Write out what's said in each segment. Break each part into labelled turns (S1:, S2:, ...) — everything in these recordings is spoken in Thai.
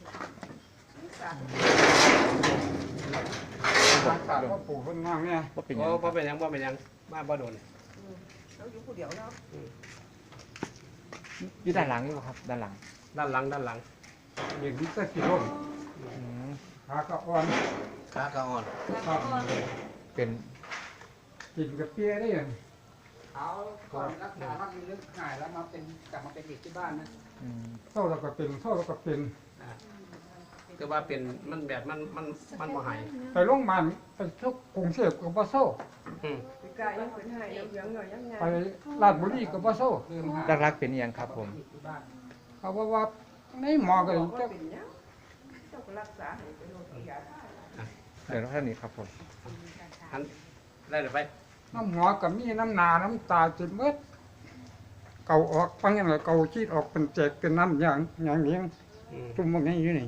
S1: ตาก็ปลูกต้นงามเนี่ย
S2: ว่าเป็น
S3: โอ้บ่เป็นหยังบ่เป็นหยังมาบ่โดน
S4: เราอยู่ผู้เดียวเนาะ
S2: อยู่ด้านหลังอยู่ครับด้านหลัง
S3: ด้านหลัง
S1: เย็นที่ตะกี้ร่ม
S2: อืม
S1: ขาก็อ่อน
S3: ขากระอ่อน
S1: ครับ
S2: เป็น
S1: กินกับเปียได้ยังเขาก่อนรักษามันลึกหายแล้วมาเป็นกลับมาเป็นเด็กที่บ้านนะ
S2: อืม
S1: เท่าเราก็เป็นเท่าเราก็เป็น
S3: คือว่าเป็นมันแบบมันบ่หาย
S1: ไปโรงพยาบาลไปทุกกรุงเทพกับบ่โซ่
S3: อืม
S4: ปีกายยังเป็นให้ยังเหลืองหน่อยยังไง
S1: ไปราชบุรีกับบ่โซ่
S2: รักๆเป็นอหยังครับผม
S1: เขาว่าในหมอก็
S4: บอกว่า
S1: จะ
S4: เป็นยังเจ้าก็รักษาให้เป็นโรคยา
S2: เดี๋ยวท่านนี้ครับผม
S3: อันได้หรือไป
S1: น้ำหมอกับมีน้ำหนาน้ำตาจิตเมื่อเก่าออกฟังยังไงเก่าชีดออกเป็นแจกเป็นน้ำอย่างนี้
S3: อืม
S1: ตุ่มพวกนี้อยู่นี่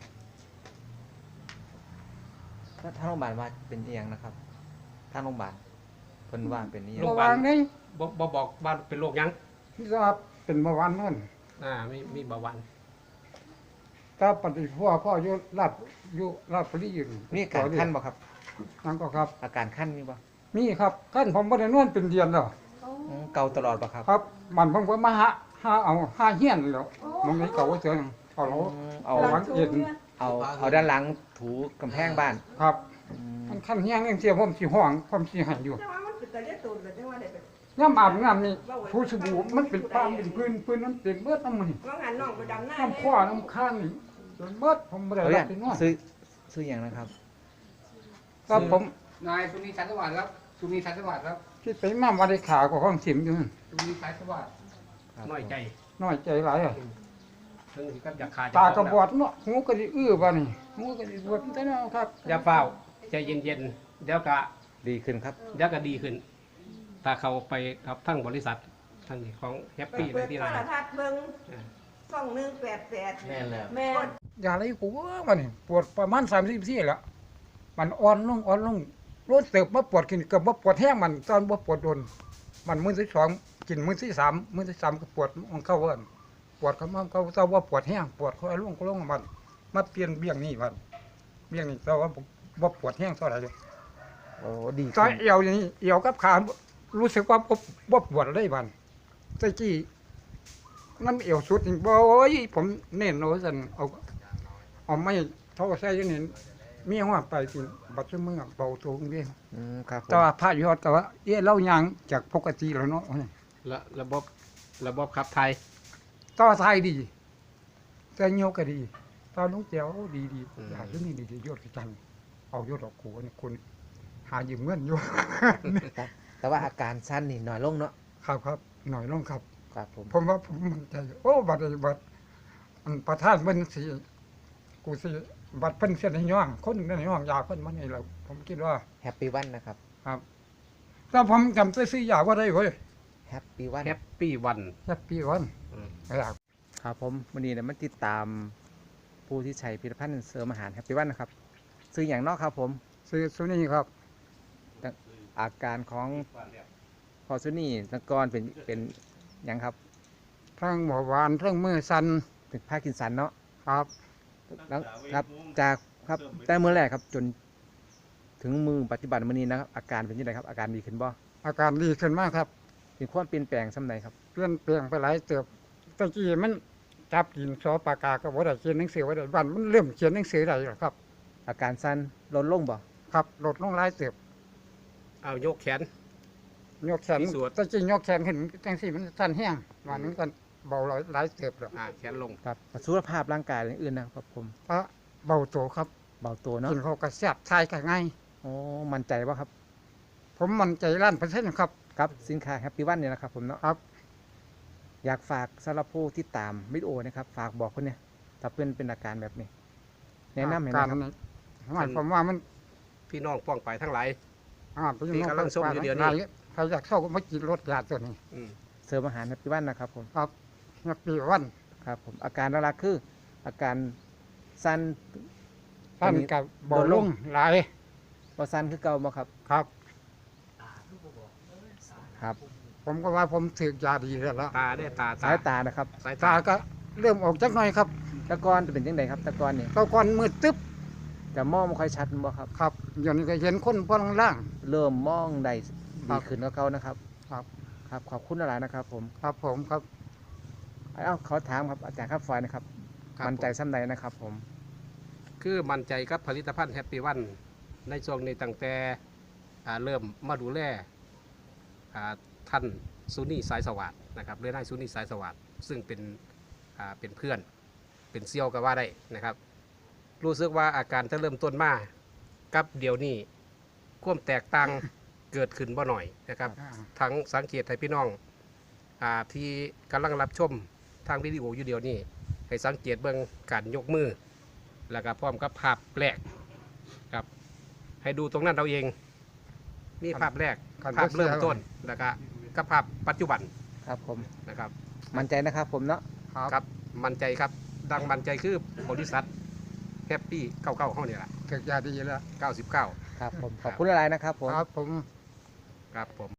S2: ถ้าโรงพยาบาลว่าเป็นอหยังนะครับทางโรงพยาบาลเพิ่นว่าเป็นอหยัง
S1: ระวังนี่
S3: บ่บอกว่าเป็นโรคหยัง
S1: ที่ว่าเป็นเมื่อวานนั่น
S3: มีเบาหวาน
S1: ถ้าปฏิพ่ออยู่ราชบุรีอยู่
S2: มีอาการขั้นบ่ครับ
S1: นั่นก็ครับ
S2: อาการขั้นมีบ่
S1: มีครับขั้นผมบ่ได้นอนเป็นเดือนแล้ว
S2: อืมเกาตลอดบ่ครับ
S1: ครับมันผมก็มาหาเฮียนแล้วมันไม่เก่าเจอเอาเรา
S2: อืมเอา
S1: หลังเอ็น
S2: เอาด้านหลังถูกำแพงบ้าน
S1: ครับ
S2: อืม
S1: มันขั้นเฮียงเรื่องเสียผมสิห้องผมสิให้อยู่
S4: แต่ว่ามันเป็นตะเลียตูนเลยจังว่าได้เป็น
S1: ย่ำอาบน้ำนี่ผู้สบู่มันเป็นปามเป็นพื้นนั้นเต็มเบิดน้ำมัน
S4: ว่างานน้องไปดำหน้า
S1: น้ำข้อน้ำข้างนี่เต็มเบิดผมบ่ได้
S2: เอา
S1: รั
S2: อบ ย่าง
S1: ไปนอน
S2: ซื้ออย่างนะครับ
S1: ครับผม
S5: นายสุนีชันสวัสดิ์ครับสุนีชันสวัสดิ์ครับ
S1: คิดไปมาว่าได้ขาก็ห้องสิมอยู่นั่น
S5: สุนีชันสวัสดิ์
S2: ครับ
S3: น้อยใจ
S1: น้อยใจหลายอ่ะ
S3: ถึงสิกับอยากขาด
S1: ตากระบอดเนาะหูก็สิอื้อบ่นี่หูก็สิบวดแต่เนาะครับ
S3: อย่าเฝ้าใจเย็นๆเดี๋ยวก็
S2: ดีขึ้นครับ
S3: ดีขึ้น ถ้าเขาไปกับทั้งบริษัททั้งของแฮปปี้เล
S4: เปิ
S3: ย
S4: ด
S3: ที่
S4: โท
S3: ร้าน
S4: รทัศน์เบิ่งช่อง188
S3: แม่นแล้ว
S4: แม่
S1: อย่าอะไรกูว่านี่ปวดประมาณ34แล้วมันอ่อนลงรถเติบมาปวดกินกับบ่ปวดแห้งมันตอนบ่ปวดโดนมันมื้อที่2กินมื้อที่3มื้อที่3ก็ปวดมันเข้าเอิ้นปวดเขามันเขาเจ้าว่าปวดแห้งปวดเขาลงมันมาเปลี่ยนเบี้ยงนี่มันเบี้ยงนี่เจ้าว่าบ่ปวดแห้งเท่าไหร่เลย
S2: โอ้ดี
S1: ตอ
S2: ขึ้
S1: น
S2: น
S1: เอวอย่างนี้เอวกับขารู้สึกว่าบ่ปวดเลยมันตะกี้น้ำเอวสุดนี่บ่โอ้ยผมเน้นเอาซั่นเอาไม่เท่าใส่อยู่นี่มีหัวไปสิบัดซุมื้อเบาตัวเด้
S2: อืมครับผม
S1: แต่ว่าพระยอดก็ว่าเล่ายังจากปกติแล้วเนาะ
S3: และระบบขับไทย
S1: ต่อไทยดีแต่โยกก็ดีตอนลุงเจียวดีอยากที่นี่ดียอดจังเอายอดดอกคูนี่คุณหายืมเงินอยู่
S2: แต่ว่าอาการสั้นนี่น้อยลงเนาะ
S1: ครับหน่อยลงครับ
S2: ครับผม
S1: ผมว่าผมมั่นใจโอ้บัดอันประธานเพิ่นสิกูสิบัดเพิ่นเสียในย่องคนหนึงในย่องยาเพิ่นมันนี่แหละผมคิดว่า
S2: แฮปปี้วันนะครับ
S1: ครับถ้าผมจำซื้อยาว่าได้เว้ย
S2: แฮปปี้วัน
S3: แฮปปี้วัน
S1: แฮปปี้วัน
S3: อืม
S1: อยาก
S2: ครับผมวันนี้เนี่ยมาติดตามผู้ที่ใช้ผลิตภัณฑ์เสริมอาหารแฮปปี้วันนะครับซื้ออย่างนอกครับผม
S1: ซื้อซุนี่ครับ
S2: อาการของพอซุนี่ตะกอนเป็นอย่างครับ
S1: ทั้งหมอหวานทั้งมือสั่น
S2: เป็นผ้ากินสันเนาะ
S1: ครับ
S2: แล้วครับจากครับแต่เมื่อแรกครับจนถึงมือปัจจุบันมื้อนี้นะครับอาการเป็นยังไงครับอาการดีขึ้นบ่
S1: อาการดีขึ้นมากครับ
S2: เป็นความเปลี่ยนแปลงสำไหนครับ
S1: เปลี่ยนแปลงไปหลายเติบตะกี้มันจับดินสอปากกาก็บ่ได้เขียนหนังสือไว้ได้บ้านมันเริ่มเขียนหนังสือได้แล้วครับ
S2: อาการสั้นลดลงบ่
S1: ครับลดลงหลายเติบ
S3: เอายกแขน
S1: ยกแขน
S3: พิสูจน์
S1: ตะกี้ยกแขนขึ้นจังซี่มันสั่นแห้งวันนึงกันเบาหลายเติบแล้ว
S3: แขนลง
S2: ครับสุขภาพร่างกายอย่างอื่นนะครับผม
S1: เพราะเบาโตครับ
S2: เบาตัวเนาะ
S1: กินเขาวก็แซ่บทายก็ง่าย
S2: โอ้มั่นใจว่าครับ
S1: ผมมั่นใจ1,000%ครับ
S2: ครับสินค้าแฮปปี้วันเนี่ยนะครับผมเนาะ
S1: ครับ
S2: อยากฝากสำหรับผู้ที่ตามวิดีโอนะครับฝากบอกคนเนี่ยถ้าเพื่อนเป็นอาการแบบนี้ แนะนำให้
S1: กา
S2: นะ
S1: ร
S2: ครับ
S1: นี้หมายความว่ามัน
S3: พี่น้องป้องไปทั้งหลาย
S1: เป็น
S3: ที่กำลังส่งอยู่เดี๋ยวนี้
S1: ใครอยากเข้าก็มากินรสยาตัวนี้
S3: อืม
S2: เสริมอาหารแฮปปี้วันนะครับผม
S1: ครับแฮปปี้วัน
S2: ครับผมอาการหลักๆคือ อาการสั้น
S1: ท่านกับเบาลงหลาย
S2: บ่สั้นคือเก่าบ่ครับ
S1: ครับ
S2: ครับ
S1: ผมก็ว่าผมถือยาดีแล้วล่ะ
S3: ตาได้ตา
S2: สายตานะครับ
S3: สาย
S1: ตา
S3: ตา
S1: ก็เริ่มออกจักหน่อยครับ
S2: คแตะกอนจะเป็นยังไงครับแตะกอนนี่
S1: ตะก่อนมืดตึ๊บ
S2: จะมองไม่ค่อยชัดบ่ครับ
S1: ครับอย่างนี้ก็เห็นคนพอล่าง
S2: เริ่มมองได้
S1: ครั
S2: ดี
S1: บ
S2: ขึ้นกว่าเก่านะครับ
S1: ครับ
S2: ครับขอบคุณหลายๆนะครับผม
S1: ครับผมครับ
S2: เขาถามครับอาจารย์ครับฟอยนะครับ
S3: ครับ
S2: มั่นใจซ้ำใดนะครับผม
S3: คือมั่นใจกับผลิตภัณฑ์แฮปปี้วันในช่วงนี้ตั้งแต่เริ่มมาดูแลท่านซูนี่สายสวัสดนะครับเรือนายซูนี่สายสวัสดซึ่งเป็นเพื่อนเป็นเซี่ยวก็ว่าได้นะครับ รู้สึกว่าอาการจะเริ่มต้นมากับเดี๋ยวนี้ความแตกต่างเกิดขึ้นบ่หน่อยนะครับ ทั้งสังเกตให้พี่น้องที่กำลังรับชมทางวิดีโออยู่เดียวนี้ให้สังเกตเบื้องการยกมือ แล้วก็พร้อมกับภาพแรกครับให้ดูตรงนั้นเราเองนี่ภาพแรก
S1: ครับ
S3: ภาพเริ่มต้นแล้วก็กับภาพปัจจุบัน
S2: ครับผม
S3: นะครับ
S2: มั่นใจนะครับผมเนาะ
S3: ครับมั่นใจครับดังมั่นใจคือบริษัทแฮปปี้99ห้องนี่แหละ
S1: ถึกยาดีแล้ว
S3: 99
S2: ครับผมขอบคุณหลายๆนะครับผม
S1: ครับผม
S3: ครับผม